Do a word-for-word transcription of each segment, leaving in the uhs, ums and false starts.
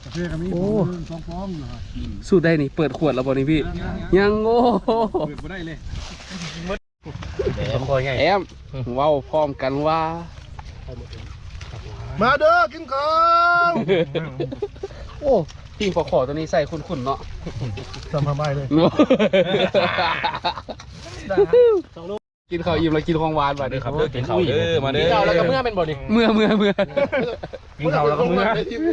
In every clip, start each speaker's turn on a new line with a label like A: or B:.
A: โอ้สูตรได้นี่เปิดขวดแล้วบอนี่พี่ยังโอ้เปิดไม่ได้เลยแอมว้าวพร้อมกันว่า
B: มาเด้อกินข้าว
A: โอ้ทีมขอขอตัวนี้ใส่คุ้นๆเนาะ
B: ทำทำไมเลย
A: กินข้าวอิ่มแล้วกินของหวานมาเด้อครับเด้อกินข้าวเด้อมาเด้อ
C: กินข้าวแล้วก็เมื่อเป็นบ่นี่
A: เมื่อเมื่อเมื่อ
B: กินข้าวแล้วก็เมื่อ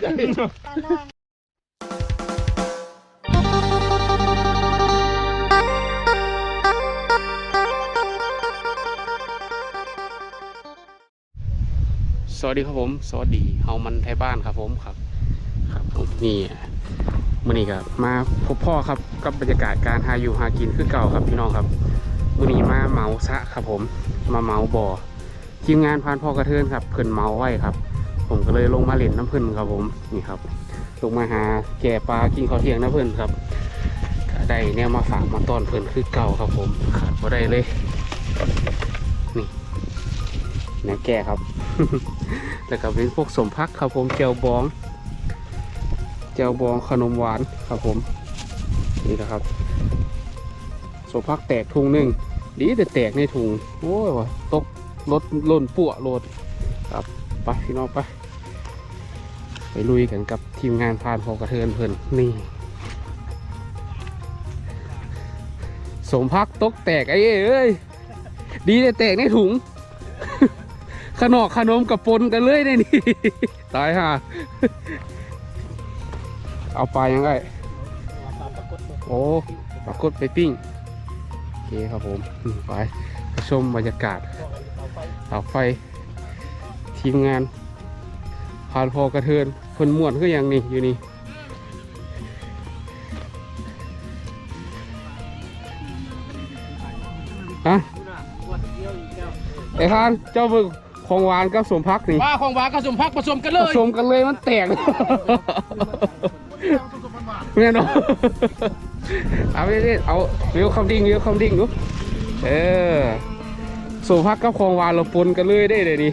A: สวัสดีครับผมสวัสดีเฮามันไทยบ้านครับผมครับครับผมนี่มื้อนี้ครับมาพบพ่อครับกับบรรยากาศการหาอยู่หากินคือเก่าครับพี่น้องครับมื้อนี้มาเมาซะครับผมมาเมาบ่อทีมงานพานพ่อกระเทินครับเพิ่นเมาไว้ครับผมก็เลยลงมาเล่นน้ำเพิ่นครับผมนี่ครับลงมาหาแก่ปลากินข้าวเที่ยงน้ำเพิ่นครับได้แนวมาฝากมาต้อนเพิ่นคือเก่าครับผมขาดบ่ได้เลยนี่แนวแก่ครับแล้วก็เป็นพวกสมพักครับผมเจียวบองเจียวบองขนมหวานครับผมนี่นะครับสมพักแตกถุงหนึ่งดีแต่แตกในถุงโอ้ยตกรถล่นปั่วโลดครับไปพี่น้องไปไปลุยกันกับทีมงานพานพอกระเทินเพิ่นนี่สมพักตกแตกไอ้เอ้ยดีแต่แตกในถุงขนมขนมกับปนกันเลยได้นี่ตายห่าเอาไปยังไงโอ้ปรากฏไปปิ้งโอเคครับผมไปชมบรรยากาศเสาไฟทีมงานพานพอกระเทินคนม่วนก็ยังนี่อยู่นี่ฮะไอ้ท่านเจ้าบึกของหวานกับสมพักนี่
C: ว่าของหวานกับสมพักผสมกันเลย
A: ผสมกันเลยมันแตกแน่นอนเอาไปดิเอาเลี้ยวคำดิ้งเลี้ยวคำดิ้งดูเออสมพักกับของหวานเราปนกันเลยได้เลยนี่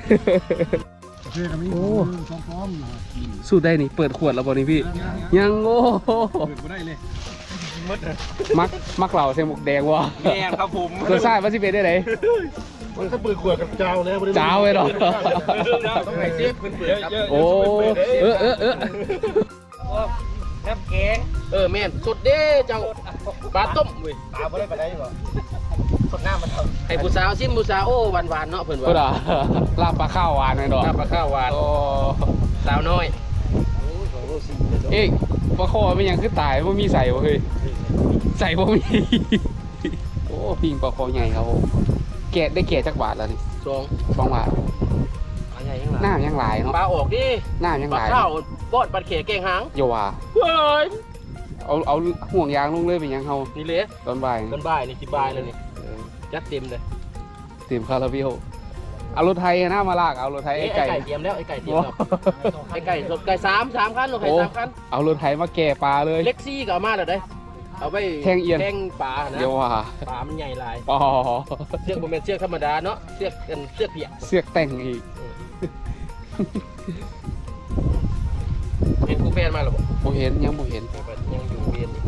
A: โอ้สูตรได้นี่เปิดขวดแล้วบอนี่พี่ยังโอ้เปิดไม่ได้เลยมักมักเหล่าใส่หมวกแดงวะ
C: แม่ครับผม
A: ตัวซ่าวัสิเบได้ไหน
B: มันก็เปิดขวดกับเจ้าแล้ว
A: เจ้าเลยหรอ
C: ต้องไหนเจี๊ยบเปิดครับ
A: โอ้เออเออเออ
C: น้ำแกงเออแม่นสุดเด้เจ้าปลาต้มเว้ยปลาไม่ได้ปลาได้หรอสดน้ำมันไอ้ผู้สาวซิมผู้สาวโอ้หวานหวานเนาะเพื่อนว่า
A: ลาบปลาข้าวหวานเลยดอก
C: ลาบปลาข้าวหวานโอ้สาวน้อย
A: เอ๊ะปลาคอเป็นยังคือตายว่ามีใส่บ่เฮ้ยใส่บ่มีโอ้ปิงปลาคอใหญ่ครับแกะได้แกะจักบาทแล้วนี่
C: สอง
A: สองบาทหน้ายังลายเนาะ
C: ปลาออกดิ
A: หน้ายังลาย
C: ปลาข้าวบอดปลาเขยแกงหาง
A: โยว่า
C: เฮ้ย
A: เอาเอาห่วงยางลงเลยเป็นยังเขา
C: นี่เลย
A: ตอนบ่าย
C: ตอนบ่ายนี่สิบ่ายเลยนี่ยัดเต็มเลย
A: เต็มคาราบิโอเอารถไทยหน้ามาลากเอารถไทยไอ้ไก่
C: เตรียมแล้วไอ้ไก่เตรียมแล้วไอ้ไก่สดไก่สามสามคันรถไก่สามคัน
A: เอารถไทยมาแก่ปลาเลย
C: เล็กซี่ก็เอามาแล้วได้เอาไป
A: แทงเอียน
C: แทงปลานะ
A: เดี๋ยวว่า
C: ปลามันใหญ่ลาย
A: อ๋อ
C: เชือกมันเป็นเชือกธรรมดาเนาะเชือกกันเชือกเปียก
A: เชือกแต่งอีก
C: เห็นกูแฟนมาหรอ
A: บ่เห็นยังบ่เห็น
C: ยังอยู่เวียน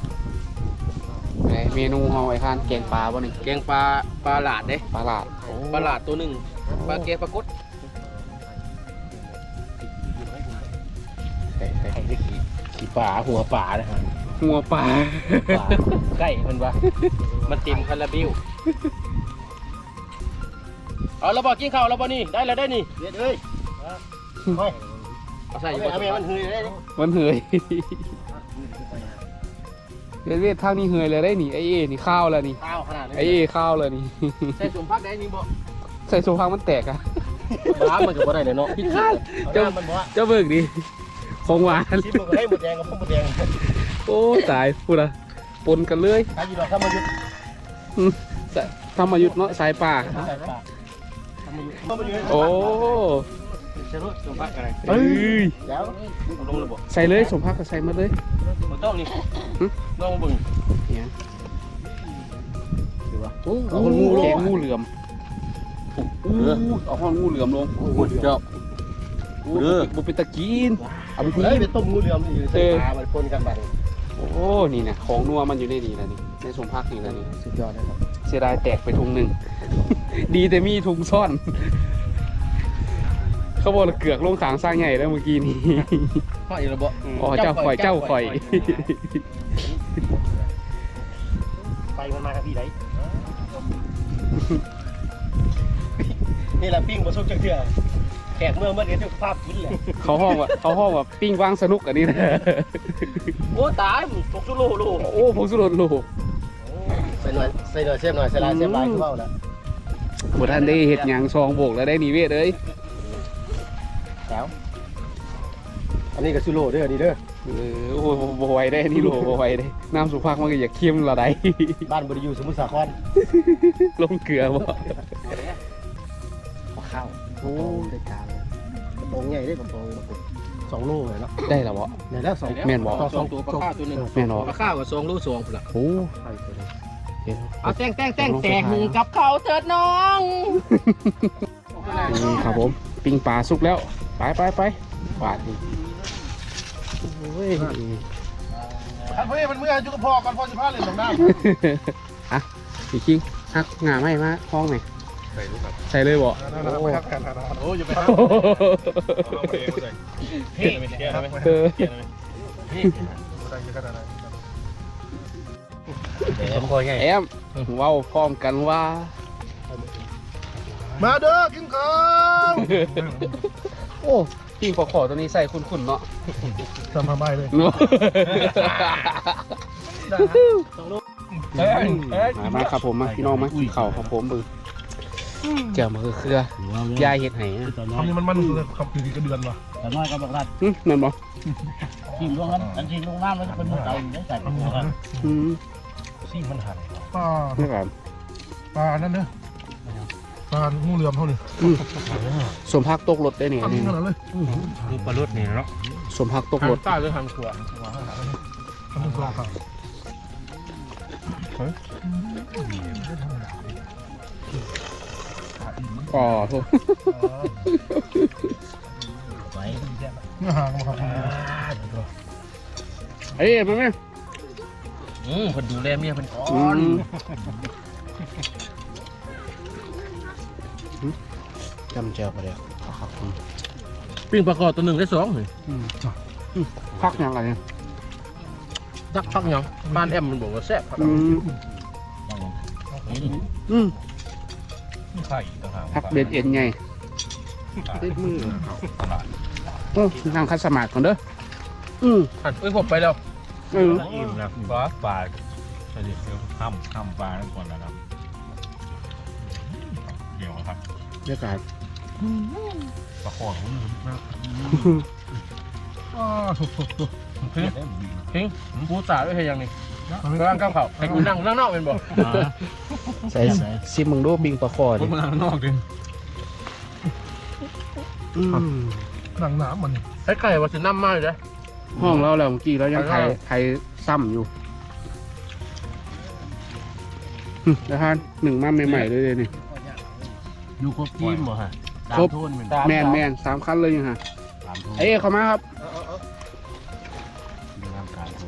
A: เมนูเฮาไอ้ท่านแกงปลาบ่นี่
C: แกงปลาปลาหลาดเด้
A: ปลาหลาด
C: ปลาหลาดตัวหนึ่งปลาแกงปลากด
A: ใส่ใส่ใส่
C: ขี้ปลาหัวปลานะฮะ
A: หัวปลา
C: ใกล้มันวะมันเต็มคาราบิวเอาเราบอกกินข้าวเราบอกนี่ได้แล้วได้นี่เด็ดเลยไม่เอาใส่เอาไปมันเฮยได้
A: มันเฮยเวทเวททางนี้เฮยเลยได้นี่ไอ้เอ๋นี่ข้าวแล้วนี่
C: ข้าวขนาด
A: ไอ้เอ๋ข้าวเลยนี่
C: ใส่สมพักได้นี่บ่
A: ใส่สมพักมันแตกอะ
C: บ้ามันก็บ่ได้เลยเนาะพี่ข้า
A: เจ้าเจ้าเบิกดิของหวาน
C: ชิมมันก็ได้หมดแดงกับพวกหมดแดง
A: โอ้ตายพูดละปนกันเลย
C: ทำอยู่หรอทำมาหยุด
A: ทำมาหยุดเนาะสายป่าโอ้
C: ใส่รถสมพักอะไร
A: เอ้ย
C: แล้วลงระบบ
A: ใส่เลยสมพักก็ใส่มาเลย
C: มันต้องนี่ลองบึง
A: เนี่ยดูว่าโอ้เอางูแกงงูเหลือมเอาห้องงูเหลือมลง
C: เจ้า
A: เด้อบุเป็นตะกินเอาไป
B: เฮ้ย
A: ที
B: ไปต้มงูเหลือมนี่ใส่ปลามันปนกันบัด
A: โอ้นี่นะของนัวมันอยู่ในนี่แหละนี่ในสมพักนี่แหละนี่
B: สุดยอดเลยครับ
A: เสียดายแตกไปถุงหนึ่ง ดีแต่มีถุงซ่อน เขาบอกเกือกลงขางสร้างใหญ่แล้วเมื่อกี้นี้
C: พ่ออีระบบ
A: อ๋อเจ้าข่อยเจ้าข่อย
B: ไปมันมาครับพี่ไหนนี่แหละปิ้งบะซุกจังเถื่อแขกเมื่อเมื่อเดือนทุกภาพกินเลย
A: เขาห้องว่าเขาห้องว่าปิ้งวางสนุกอันนี้นะ
C: โอ้ตายตกสุโลโล
A: โอ้ผมสุดโลก
B: ใส่หน่อยใส่หน่อยเสียบหน่อยใส่ลายเสียบลายคือเบ้าแล้ว
A: บท่านได้เห็ดหยางซองโบกแล้วได้นิเวศเลย
B: แล้วอันนี้ก็ซูโร่เด้อนี่เด้อ
A: เออโอ้โหบไหวยได้นี่โลบไหวยได้น้ำสุภาพมันก็อยากเค็มละได้
B: บ้านบริยูสมุทรสาคร
A: ลงเกลือบ่
B: ข้าวโอ้ได้การกระโปรงใหญ่ได้กระโปรงสองโลเลยเนาะ
A: ได้แล้วบ่
B: ไหนแล้วสอง
A: แม่นบ่
C: สองตัวปลาข้าวตัวหนึ่ง
A: แม่นบ่
C: ปลาข้าวกับสองลูกสองพุ่นละ
A: โอ้
B: ใส่ไปเลย
A: เดี๋ยว
C: เอาแตงแตงแตงแตงกับเขาเถิดน้อง
A: นี่ครับผมปิ้งปลาสุกแล้วไปไปไปปลาดนี่โอ้ย
B: ท่านพี่มันเมื่อจุกพอกันพอจะพาเลยลงน้
A: อ่ะพี่คิงฮักงาไม่มาห้องไหนใส่เลยบ่
B: ำไปทักกันนะโอ้ยอย่าไปทัก
C: เฮ้ยไม่ใช่
A: เออ
C: สมคอยไง
A: แอมเว้าพร้อมกันว่า
B: มาเด้อกินข้าว
A: โอ้ปิ้งปลาขอตัวนี้ใส่คุ้นๆเนาะ
B: ทำมาใบเลย
A: เนาะมามาครับผมมาพี่น้องมากินข้าวครับผมมือเจ้ามาคือเครือยายเห็ดไห้นะ
B: ทำนี่มันมันเลยขับถือกระเดือนว่ะ
D: แต่น้อยก็บอกว่า
A: อืมนั่นบ่
D: ทีมลงนั้นอันทีมลงน้ำแล้วจะเป็นมือเก่าได้ใส่ปลาหมึกกัน
A: อืม
B: ซี่มันหันปลา
A: นี่ครับ
B: ปลานั่นเนอะปลางูเหลือมเท่านี้
A: สมพักตกรถได้เนี่ย
B: ทำ
A: นี่
B: ขนาดเลย
C: ดูปลาลดนี่เนาะ
A: สมพักตกรถ
C: ต้าหรือทางขวา
B: ทำกรอบครับ
A: อ๋อโทษ
D: ไว้
B: เนื้อหางมาครับ
A: เอ้ยมาไหม
C: อืมคนดูแลเมียเป็นก้อ
A: อื
C: น
A: มจำเจ้าไปเลยครับผม
C: ปิ้งปลาคอตัวหนึ่งได้สองเลย
A: อืมอืมพักยังไงเนี่ย
C: จักพักยังบ้านแอมมันบอกว่าแซ่บครับ
A: อืมอืม
B: ไข่ต่างหาก
A: พักเบ็ดเอ็นไงติดมือโอ้นั่งคัดสมาธิก่อนเด้ออืม
C: หันเอ้ยผมไปแล้ว
A: เออ
E: อิ่มนะปลาปลาใช่ดิเดี๋ยวห้ามห้ามปลาทั้งคนนะครับเดี๋ยวครับ
A: บรรยากาศ
E: ปลาคอของมึงนะ
B: อ่าสุกสุกสุก
C: พิงพิงผู้สาวด้วยเฮียยังนี่กำลังก้าวเข่าให้กูนั่งนั่งนอกเป็นบ่
A: ใส่ซิมมึงดูปิงปลาคอ
E: ผ
A: ดิ
E: มมาข้างนอกดิ
A: อืม
B: หนังหนามมัน
C: ไอ้ไก่ว่าสิน้ำมากเลยนะ
A: ห้องเราแล้วเมื่อกี้เรายังไทยไทยซ้ำอยู่อืมแล้วท่านหนึ่งมาใหม่ๆเลยเลยนี่
D: อยู่ครบทีมบ่ฮะตาม
A: ครบ
D: โทนเหมือน
A: แมนแมนสามคันเลยยังฮะ
D: ตามโทน
A: เอ้ยเข้ามาครับ
D: มีร่างกายโทน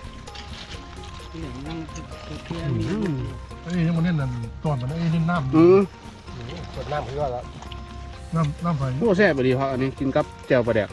A: อืม
B: ไอ้ยังมันเล่นนั่นตอนมันไอ้เล่นน้ำ
A: อืม
B: กดน้ำคือว่าแล้วน้ำน้ำไฟ
A: โอ้แซ่บดีครับอันนี้กินกับแจ่วปลาแดก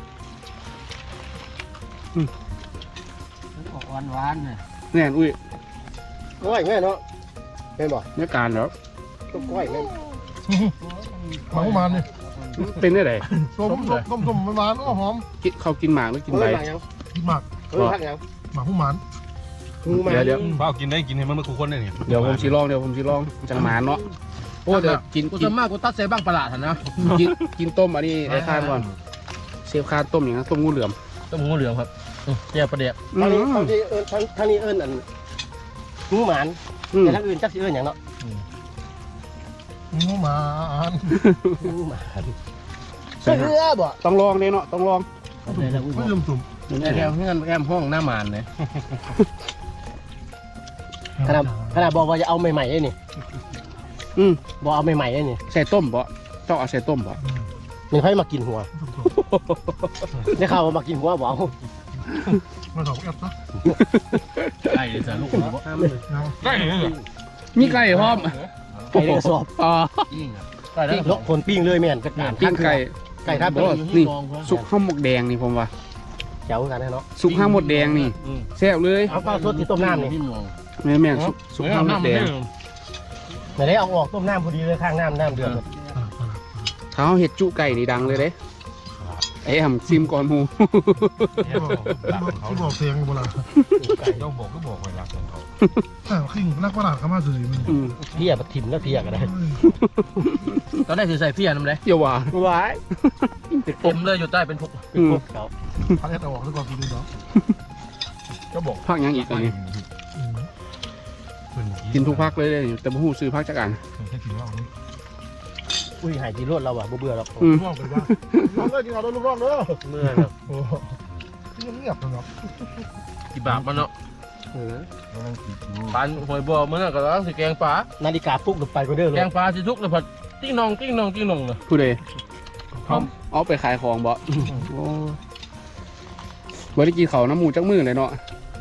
D: ออกหวานๆเนี่ย
A: แน่นอุ้ย
B: ก้อยแม่เนาะเป็นบ่
A: เนื้อการแล้ว
B: ต้มก้อยแม่หมาหวานนี่
A: เป็นได้ไหน
B: ส้มส้มส้มส้มหวานๆก็หอม
A: กินเขากินหมากหรือกินใบ
B: กินหมัก
C: เออพักยัง
B: หมักหวาน
A: เดี๋ยวเดี๋ยว
E: เปล่ากินได้กินให้มันมาคู่คนได้เนี่ย
A: เดี๋ยวผมชิลองเดี๋ยวผมชิลองจังหมานเนาะโอ้เดี๋ยวกิน
C: กู
A: กิ
C: จะ
A: น
C: มากกูตัดเสบ้างประหลาดนะ
A: กินกินต้มอันนี้ไอ้ข้านก่อนเซฟข้านต้มอย่างนั้นต้มงูเหลือม
C: ต้มงูเหลืองครับแจ่ประเดี๋ยว
B: ๆทางนี้ทางนี้เอิญทางทางนี้เอิญอันงูหมาน
A: อืม
B: แต่ทางอื่นจักสิเอิญอย่างเนาะงูหมานงูหมานเสื้อบ่
A: ต้องลองเนี่ยเนาะต้องลอง
D: ได้แล้วอุ้ย
B: ไม่ลืมตุ่ม
C: แอมเงื่อนแอมห้องหน้ามานเลย
B: ขนาดขนาดบอกว่าจะเอาใหม่ๆไอ้นี่
A: อืม
B: บอกเอาใหม่ๆไอ้นี่
A: ใส่ต้มบ่ต้องเอาใส่ต้มบ่
B: มันค่อยมากินหัวได้ข่าวว่ามากินหัวเบา
E: มาสองแอปนะ
D: ไอ้สารลูกเนาะ
E: ได้เลย
A: มีไก่พร้อม
B: ไก่ในกระสอบ
A: อ๋อ
D: ยิ่งอ่ะ
B: ปิ้งลกคนปิ้งเลยแม่นกระดาน
A: ปิ้งไก่
B: ไก่ท่า
A: โอ้
B: ปิ้ง
A: นี่สุกข้าวหมกแดงนี่ผมว่า
B: เจ๋วกันนะเนาะ
A: สุกข้าวหมกแดงนี่แซ่บเลย
B: เอาปลาสดที่ต้มน้ำนี่
A: แม่แม่งสุกสุกข้าวหมกแดง
B: ไหนได้เอาออกต้มน้ำพอดีเลยข้างน้ำน้ำเดือด
A: ถ้าเขาเห็ดจุไก่นี่ดังเลยเด้ไอ้แอมซิมก่อนหมู
E: เขาบอกเพลงโบราณต้องบอกก็บอกเวลาของเขาแต่ขิงนักประหลาดเขามาสื่อมัน
A: อืม
B: เพี้ยมาถิ่มแล้วเพี้ยกันได้
C: ตอนแรกคือใส่เฟียน้ำเลย
A: อย่าว่า
B: ว้าย
C: เต็มเลยอยู่ใต้เป็นพวก
B: เป็นพวกเขา
E: พัดเอาออกซะก่อนคุณดูเนาะก็บอก
A: พักยังอีกอันนี้กินทุกพักเลยเลยแต่บ่ฮู้ซื้อพักจักอัน
E: แค่กินเหล้า
B: อุ้ยหายจีรวดเราอ่ะเบื่อหรอก
A: อืม
E: ร่องไปว่าร่องเลยกินเอาด้วยลูกร่องเด้อ
B: เมื่อครับ
E: โอ้เงียบเลยเนาะ
C: กี่บาทมันเนาะ
B: เออ
C: ปานหอยบัวมันน่ะก็ต้องสิแกงปลา
B: นาฬิกาปลุกหลุดไปก็เด้อเล
C: แก
B: ย
C: งปลาสิทุกเลยผัดติ้งนองติ้งนองติ้งนองเลย
A: ผู้ใดเอาเอาไปขายของบ่โอ้บ่ได้กินข้าวน้ำหมูจักมื้อเลยเนาะ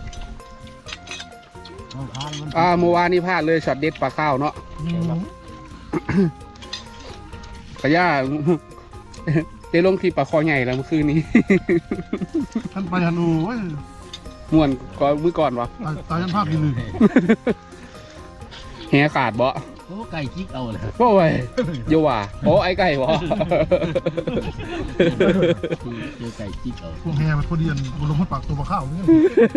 A: อ่าเมื่อวานนี้พลาดเลยช็อตเด็ดปลาข้าวเนาะกระย่า ได้ลงคลิปปลาคอใหญ่แล้วเมื่อคืนนี้
E: ท่านไปฮันอูเว้ย
A: ม่วนก่อนมื้อก่อนวะ
E: ตายยันภาพดีเลย
A: แหขาดบ่
D: โอ้ไก่จิกเอาเลย
A: บ่เว้ยอย่าว่าโอ้ไอ้ไก่บ่
D: เจอไก่จิกเอา
E: พวกแฮมันพอดีนบนลงพัดปากตัวปลาข้าวนี่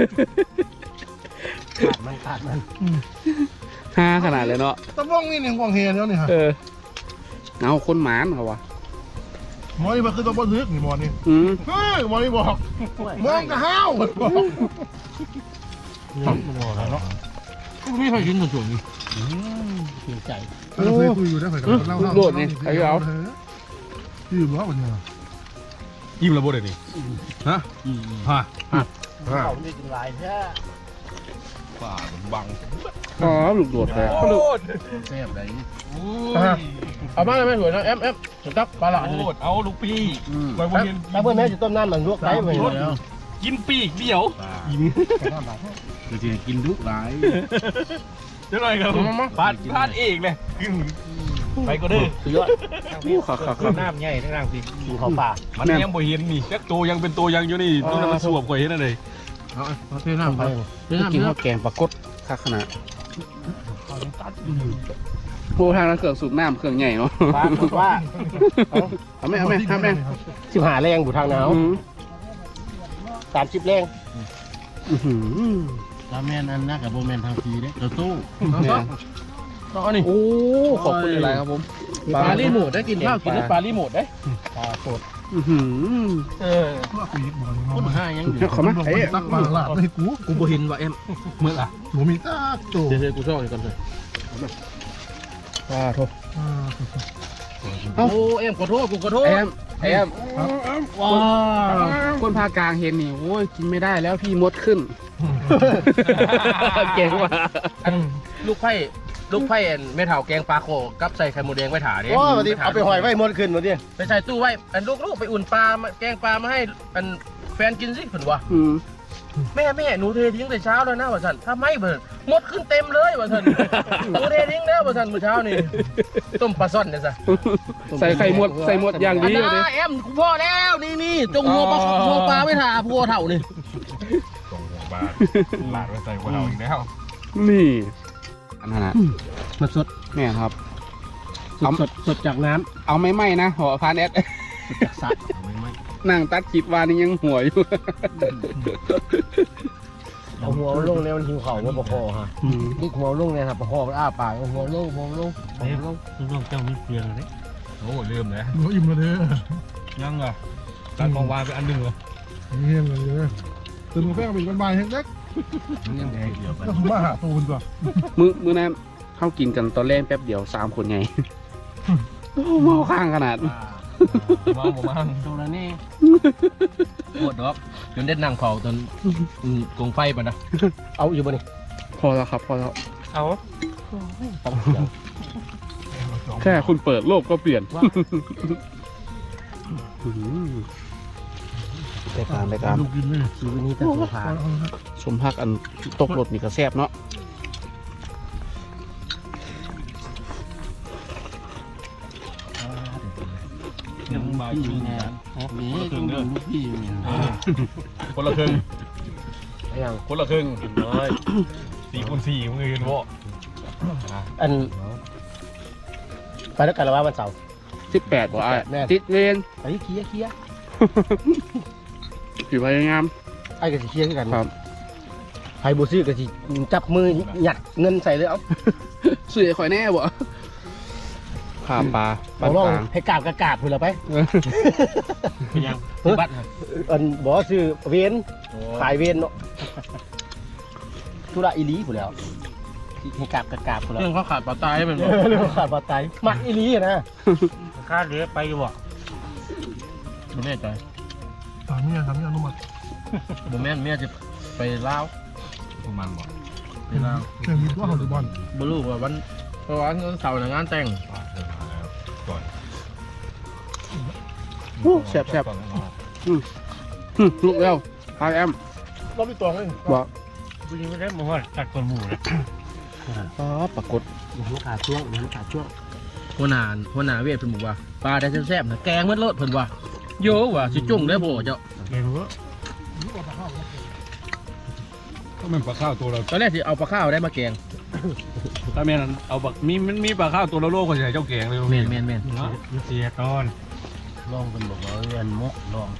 B: ขาดมันขาดมัน
A: ฮ่าขนาดเลยเนาะ
E: ตะบ้องนี่เนี่ยพวกแฮเนี่ยนี่ฮะ
A: เออเอาคนหมานเขาวะ
E: หมอนี่มันคือตะบ้องลึกนี่หมอนี่
A: อืม
E: เฮ้ยหมอนี่บอกมองกระห้าวบอก
C: เนาะไม่เคยกินส่วนนี้
B: เพียงใจ
E: เราเคยคุยอยู่ได้เคยกันเล่าเล่ายืมล้อวันนี้
C: ยิ้มระบบเลยดิฮะฮะ
B: เขาเนี่ยจึงลายแท้
C: ป่าบัง
A: อ๋อลูกโดดเลย
D: แซ่บไหน
C: เอามาเลยแม่สวยนะแอมแอมสุดทับปลาหลาด
F: เอาลูกปีไว้บนเรียน
B: แล้วเพื่อนแม่จะต้มน้ำมันลวกได้ไหม
F: กินปีกเดียว
D: เราจะกินดุหลาย
F: เดี๋ยวหน่อยครับพลาดพลาดเองเลยไปก็เด้อ
B: สุดยอด
A: อู้ขาขาขา
F: น้ำใหญ่ทั้งร่างสิ
B: กินของป่า
F: มันยังบ่เห็นนี่จักตัวยังเป็นตัวยังอยู่นี่ตัวนั้นมันสวบกว่าเห็นอะไร
C: เอาเทน้ำไป
A: กินข้าวแกงปลากดคักขนาดโอ้ทางนั้นเครื่องสูบน้ำเครื่องใหญ่เนาะ
B: ป้าว่า
A: เอาไหมเอาไหมทำไหม
B: สิบหาแรงอยู่ทางหนาว
A: อืม
B: สามสิบแรง
A: อื้อหือ
D: ลาแมนอันนักกับโบแมนทางทีเด้เราตู้
A: เนี่ย
C: เอานี่
A: โอ้ขอบคุณหลายๆครับผม
C: ปลาลีโมดได้กินข้าวกินได้ปลาลีโมดได้
B: ปลาสด
A: อื้อหือ
C: เออ
E: เพื่อคุยหมอนี่
D: คนห้ายังอยู่
A: เอาเขามา
E: ลง
A: เอ้ย
E: ตักมาลาดให้กู
C: กูบ่เห็นว่ะแอมเมื่ออ่ะ
E: หนูมีตาโต
C: เดี๋ยวกูชอบอีกคนเลย
A: อ่าโทษ
C: โอ้แอมขอโทษกูขอโทษ
A: แอมแอมว้าวคนภาคกลางเห็นนี่โอ้ยกินไม่ได้แล้วพี่มดขึ้น เก่งว่ะ
C: อันลูกไผ่ลูกไผ่อันแม่เฒ่าแกงปลาโขกับใส่ไข่หมูแดงไว้ถาเด้
B: โอ้วันนี้เอาไปหอยไว้หมดขึ้นมาดิ
C: ไปใส่ตู้ไว้อันลูกๆไปอุ่นปลามาแกงปลามาให้อันแฟนกินสิเพิ่นว่า
A: อืม
C: แม่แม่หนูเททิ้งแต่เช้าแล้วนะว่าสันถ้าไม่เบิดหมดขึ้นเต็มเลยว่าสันหนูเททิ้งแล้วว่าสันเมื่อเช้านี่ต้มปลาซ่อนเนี่ยซะ
A: ใส่ไข่มดใส่มดอย่าง
C: อัน
A: ดี
C: นั้
A: เลย
C: แอมกูพ่อแล้วนี่นี่จงหัวปลาหัวปลาไว้ถ่าพัวเถ่านี่
F: ส่งหัวบาหลาดไว้ใส่หัวเราอีกแล้ว
A: นี่อันนั้นนะ
B: มันสด
A: เนี่ยครับ
B: สดสดสดจากน้
A: เอาไม่ไหมนะหัวพานแอด
B: ำจากสระ
A: นั่งตัดคลิปวานี่ยังหัวอยู่
B: เอาหัวลงเนี่ยมันหิวเข่าว่าปะคอฮะนี่หัวลงเนี่ยครับปะคอมันอ้าปากหัวลงหัวลงหัวลง
D: น้องเจ้าไม่เปลี่ยนเลย
F: โอ้ลืมเลย
E: หนูอิ่มมาเลย
F: ยังอ่ะตัดมองวานไปอันหนึ่งเหรอ
E: เงี้ยเลยตื่นกาแฟเป็นวันบ่ายเฮ็ดเล็ก
D: ยังไงเดียวกัน
E: ก็มาหาตูนตัว
A: มือมือนั้นเข้ากินกันตอนแรกแป๊บเดียวสามคนไงโอ้เมาข้างขนาด
F: มาผมมา
B: ตรงนั้นนี่
C: ปวดดอกจนเด็ดนั่งเผาจนกงไฟปะนะ
B: เอาอยู่บ่นี่
A: พอแล้วครับพอแล้ว
C: เอา
B: ตั้งเสียง
A: แค่คุณเปิดโลกก็เปลี่ยน
B: ว่า
A: อื้อหือได้การได้การ
E: ลูกกินไหม
B: ชีวิตนี้ต้องสงสาร
A: สมพักอันตกรถนี่ก็แซ่บเนาะ
D: ยังมาอยู่งานนี่ต้องดูพี่อยู่เนี่ย
F: คนละครึ่ง
B: อย่าง
F: คนละครึ่งน้อยสี่คูณสี่มึงเห็นบ่
B: อันไปแล้วกันแล้วว่าวันเสาร์
A: สิบแปดบ่อ้าย
B: แม่น
A: ติดเวร
B: ไอ้เคลียร์เคลียร์
A: อยู่พยายาม
B: ไอ้ก็สิเคลียร์คือกัน
A: ครับ
B: ไผบ่ซื้อก็สิจับมือหยัดเงินใส่เลยเอ้า
A: เสียข่อยแน่บ่ข้ามปลาปา
B: เอา
A: น
B: ลอง
A: กลาง
B: ให้กราบกระกราบพุ่นละไป
D: เป็นยังบัตร
B: อันบ่ซื้อเวนขายเวนเนาะธุระอีหลีพุ่นแล้วให้กราบกระกราบพุ่นแล้ว
C: เรื่องเขาขาดปลาตายเป็นบ่
B: เรื่องขาดบ่ตายมักอีหลีอะนะ
D: ค่าเรือไปอยู่บ่
C: บ่แน่ใจ
E: ถามเนี่ยถามเนี่ยอนุมัติ
C: บ่แม่นเมียจะไปลาว
F: ประมาณบ่
C: ไปลาว
E: แข่งมีตัวเขาหรือบอล
C: บ่รู้ว่าวันเพราะว่าวันเสาร์น่ะงานแต่ง
F: ก่อน
A: อู้แซ่บแซ่บอืมอืมลุกแล้วพายแอม
E: รอบที่สองเอง
A: บอก
D: ผู้หญิงไม่ได้มาว่าตัดคนหมู่เลย
A: อ๋อปรากฏ
B: มันขาดช่วงมันขาดช่วง
C: หัวหน้าหัวหน้าเวทเพิ่นบอกว่าปลาได้แซ่บๆนะแกงมันโลดเพิ่นว่าโยว่าสิจุ่งได้บ่เจ้า
D: ไม่รู้
F: ก็มันปลาข้าวตัวเรา
C: ตอนแรกสิเอาปลาข้าวได้มาแกง
F: ถ้าแม่นเอาบักมีมันมีปลาข้าวตัวละโลก็ใส่เจ้าแกงเลย
C: แม่นแม่นแม่น
D: มันเสียตอนลองกันบอกว่าเรียนมกลอง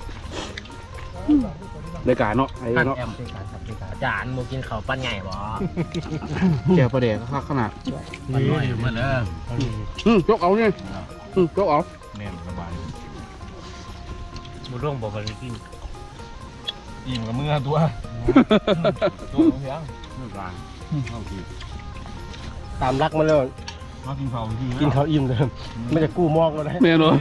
A: รายการเนาะไอ้
C: ท่าน
A: เนาะ
C: แอมอาจารย์บ่กินข้าวปั้นใหญ่บ่
A: แกวประเดี๋ยวข้าขนาด
C: ปั้นน้อยอยู่มาเด้อ
A: อืมยกเอาเนี่ยอืมยกเอา
F: แน่นสบาย
D: บุร่วงบอกว่ากิน
F: อิ่มกับมือตัวตัวเพียงมือกลางเอาที
B: ตามรักมาเลย
F: มากินข้าวที
B: กินข้าวอิ่มเลยไม่จะกู้มอกก็ได้
A: แม่เนาะ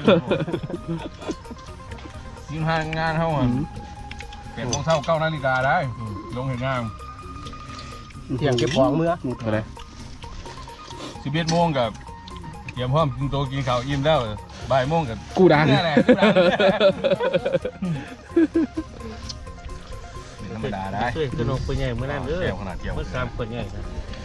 F: กินห้างงานเท่าอ่ะแปดโมงเช้าเก้านาฬิกาได้ลงเห็นงาน
B: เที่ยงเก็บของเมื่อ
A: มุดอะไร
F: สิบเอ็ดโมงกับเตรียมพร้อมกินโตวกินข้าวอิ่มแล้วบ่ายโมงกับ
A: กูดัง
F: นี่แหละกูดังธรรมดาได้
D: ช่วยขนมคนใหญ่เมื่อนั้นเด้อ
F: แก้วขนาดแก้ว
D: เมื่อสามคนใหญ่ครับ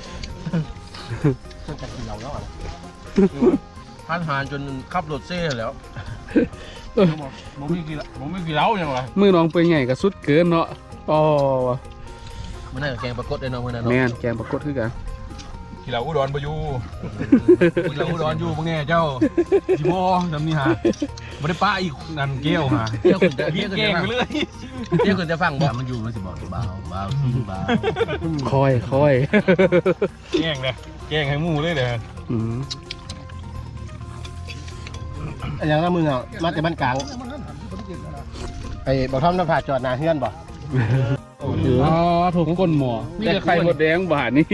B: ต้องจะกินเราแล้วอ่ะ
C: ท่านหานจนขับรถเซ่แล้ว
F: ผมไม่กินผมไม่กินเหล้าอย่างไร
A: มือน้องเป็นไงก็สุดเกินเนาะอ๋อ
C: มันน่าจะแกงปลากดได้เนาะมื้อนั้นเนาะ
A: แม่นแกงปรากฏคือกัน
F: กินเหล้าอุดรไปอยู่กินเหล้าอุดรอยู่เป็นไงเจ้าจิโบทำนี่ฮะไม่ได้ป้าอีกนั่นเกี้ยวฮะ
C: เที่ยวคนจะ
F: กิ
C: เที่ย
F: น
C: วคน
F: เก่
C: จะ
F: ง
C: ฟัง
F: ไปเรื่อย
C: เที่ยวคนจะฟังบ่มันอยู่มันสิบอกเบาเบากินเบา
A: คอยคอย
F: เก่งเลยเก่งให้หมูเลยเด้อ
A: อืม
B: อันยังนั้นมึงอ่ะมาแต่บ้านกลางไอ้บอกท่อมน้ำผาจอดหนาเฮือนบ่
A: อ๋อถูกก้นหมอนี่จะไข่หมดแดงบาทนี่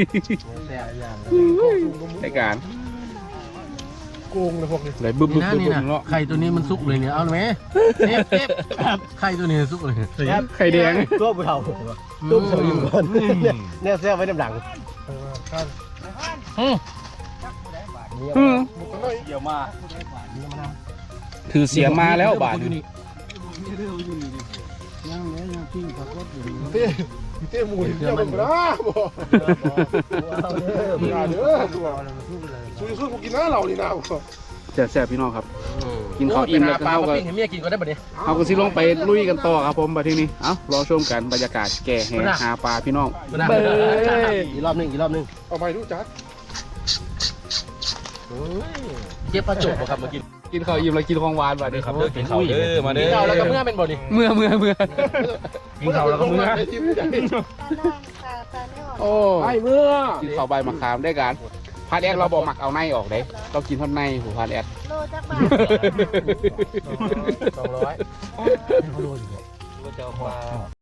A: รายการ
E: โกงเลยพวกนี้
A: ไหลบึ้มบึ้
C: นี่
A: ม
C: นะ
A: บึ้ม
C: นี่นะ
A: เนาะ
C: ไข่ตัวนี้มันสุกเลยเนี่ยเอาไหมเทปเทปไข่ตัวนี้สุกเลย
A: ไข่แดง
B: ตัวผู้เฒ่าตัวผู้เฒ่าอิ่มก่อนเนี่ยเนี่ยเสื้อไว้น้ำหลัง
C: อืม
A: อืม
F: เกี่ยวมา
A: ถือเสียงมาแล้วบาทนี่
E: เต้เต้หมูเจ้ามันนะบ่อย่าเด้อสู้สู้กูกินหน้าเรานี่นะบ่
A: แซ่บๆพี่น้องครับ กินข้าวอิ่มแล้วก็
C: ปลา
A: เข้า
C: ปลา
A: กับ
C: ปิ้งให้เมียกินก็ได้บัดนี้
A: เขาก็สิลงไปลุยกันต่อครับผมบัดทีนี้เอ้ารอชมกันบรรยากาศแก่แห่หาปลาพี่น้อง
C: นะ
A: เบ้ย
B: อีกรอบหนึงอีกรอบหนึง
E: เอาไปดูจัด
C: เก็บปลาจุกบ่ครับมากิน
A: กินข้าวอิ่มแล้วกินของหวานบัดนี้ครับ
F: เด้อกินข้าวเด้อมาเด้อ
C: เจ้าแล้วก็เมื่อเป็นบ่นี่
A: เมื่อเมื่อเมื่อ
F: กินข้าวแล้วก็มื้อ
A: โอ้ไอ้เมื่อกินข้าวใบมะขามได้กันพาดแอดเราบอกหมักเอาในออกเด้เรากินท่อนในหูพาดแอด
G: โลจักบาท
C: สองร้อย
B: เขาโดนอยู่
F: เจ้าปลา